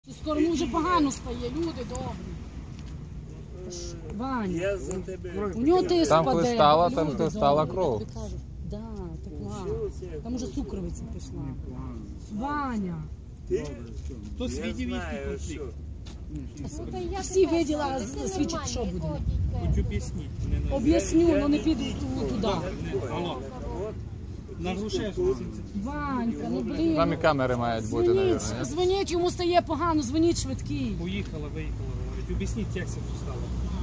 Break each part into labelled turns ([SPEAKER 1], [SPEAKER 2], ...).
[SPEAKER 1] Скоро вже погано стає, люди добрі. Ваня, у нього тиск
[SPEAKER 2] Там
[SPEAKER 1] паде.
[SPEAKER 2] коли стала, там коли стала кров.
[SPEAKER 1] Да, текла. Там уже цукровиця пішла. Ваня.
[SPEAKER 3] Хтось видів їхній конфлікт?
[SPEAKER 1] Всі виділа, свідчить, що буде.
[SPEAKER 3] Хоч об'ясніть.
[SPEAKER 1] Об'ясню, але не піду туди.
[SPEAKER 3] Алло. На Грушевську.
[SPEAKER 1] Ванька, ну блін.
[SPEAKER 2] Там і камери мають бути, мабуть.
[SPEAKER 1] Дзвоніть, йому стає погано, дзвоніть швидкий.
[SPEAKER 3] Поїхала, виїхала, говорить. Об'ясніть, як це все стало.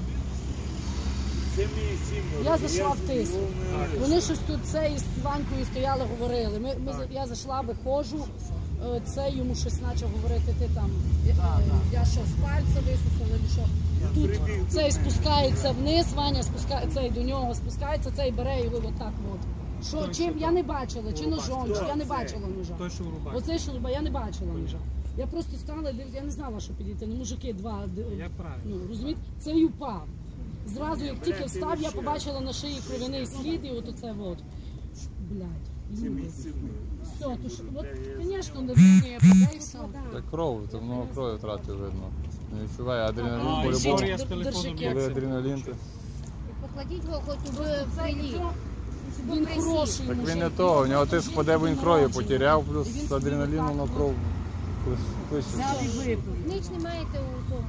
[SPEAKER 1] Я зайшла в тиск. Вони щось тут це із Ванькою стояли, говорили. Я зайшла, виходжу, це йому щось почав говорити, ти там, я що, з пальця висусила, чи що. Тут цей спускається вниз, Ваня спускається, цей до нього спускається, цей бере його отак от. Що, чим, я не бачила, чи ножом, чи я не бачила ножа.
[SPEAKER 3] Той, що в рубахі.
[SPEAKER 1] Оцей, що я не бачила ножа. Я просто стала, я не знала, що підійти. Ну, мужики два,
[SPEAKER 3] Як правильно.
[SPEAKER 1] ну, розумієте, цей упав. Зразу, як тільки встав, я побачила на шиї кров'яний слід, і от оце от. Блядь, люди. Все, то ж, от, звісно, не подейся.
[SPEAKER 2] Це кров, то много крові втратив, видно. Не відчуває адреналін,
[SPEAKER 3] А,
[SPEAKER 2] по-любому.
[SPEAKER 3] історія з телефоном.
[SPEAKER 2] Коли адреналін, то...
[SPEAKER 4] Покладіть його хоч у фрилі.
[SPEAKER 1] Він хороший
[SPEAKER 2] Так він
[SPEAKER 1] мужик.
[SPEAKER 2] не то, у нього тиск паде, бо він крові потеряв, плюс з адреналіном на кров пише.
[SPEAKER 1] Взяв і випив.
[SPEAKER 4] Ніч не маєте у тому.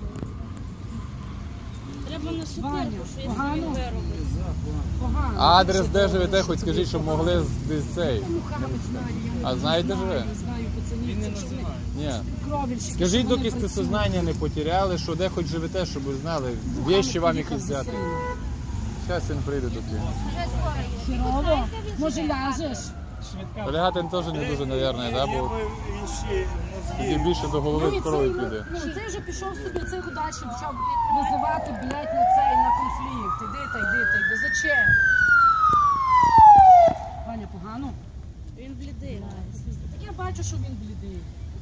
[SPEAKER 5] Треба на
[SPEAKER 1] Ваня,
[SPEAKER 5] супер,
[SPEAKER 1] погано? Погано.
[SPEAKER 2] Адрес де живете, хоч скажіть, щоб могли десь цей.
[SPEAKER 1] Мухаммед знає, я
[SPEAKER 2] А знаєте, де живе?
[SPEAKER 1] не знаю пацанів. Це що вони
[SPEAKER 2] Ні.
[SPEAKER 1] кровельщики.
[SPEAKER 2] Скажіть,
[SPEAKER 1] що вони
[SPEAKER 2] доки сте
[SPEAKER 1] працюють.
[SPEAKER 2] сознання не потеряли, що де хоч живете, щоб ви знали, вещі вам якісь взяти. Зараз він прийде до тебе.
[SPEAKER 4] Вже скоро є.
[SPEAKER 1] Хірово? Може ляжеш?
[SPEAKER 2] Полягати він теж не дуже, мабуть, да? Бо тоді більше до голови крові піде.
[SPEAKER 1] Ну, цей вже пішов собі, цей удачі почав визивати, блядь, на цей, на конфлікт. Іди та йди. Зачем? Ваня, погано?
[SPEAKER 5] Він блідий.
[SPEAKER 1] Так я бачу, що він блідий.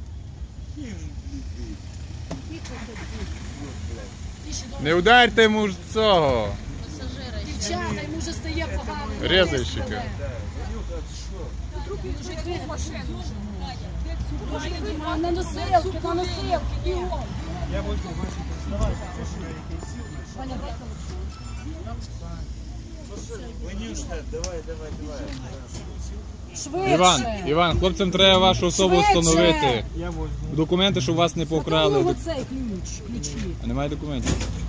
[SPEAKER 2] Не ударте йому ж цього.
[SPEAKER 1] Дівчата, йому вже стає погано.
[SPEAKER 2] Резальщика.
[SPEAKER 1] Він вже йде в машину. На носилки, бігом.
[SPEAKER 3] Я возьму ваші признавати.
[SPEAKER 1] Ваня, дай
[SPEAKER 6] Ванюшка, давай.
[SPEAKER 1] швидше.
[SPEAKER 2] Іван, хлопцям треба вашу особу
[SPEAKER 1] Швидше.
[SPEAKER 2] встановити.
[SPEAKER 3] Я возьму.
[SPEAKER 2] Документи, щоб вас не
[SPEAKER 1] Покрали.
[SPEAKER 2] покрали.
[SPEAKER 1] Оцей ключі.
[SPEAKER 2] А немає документів.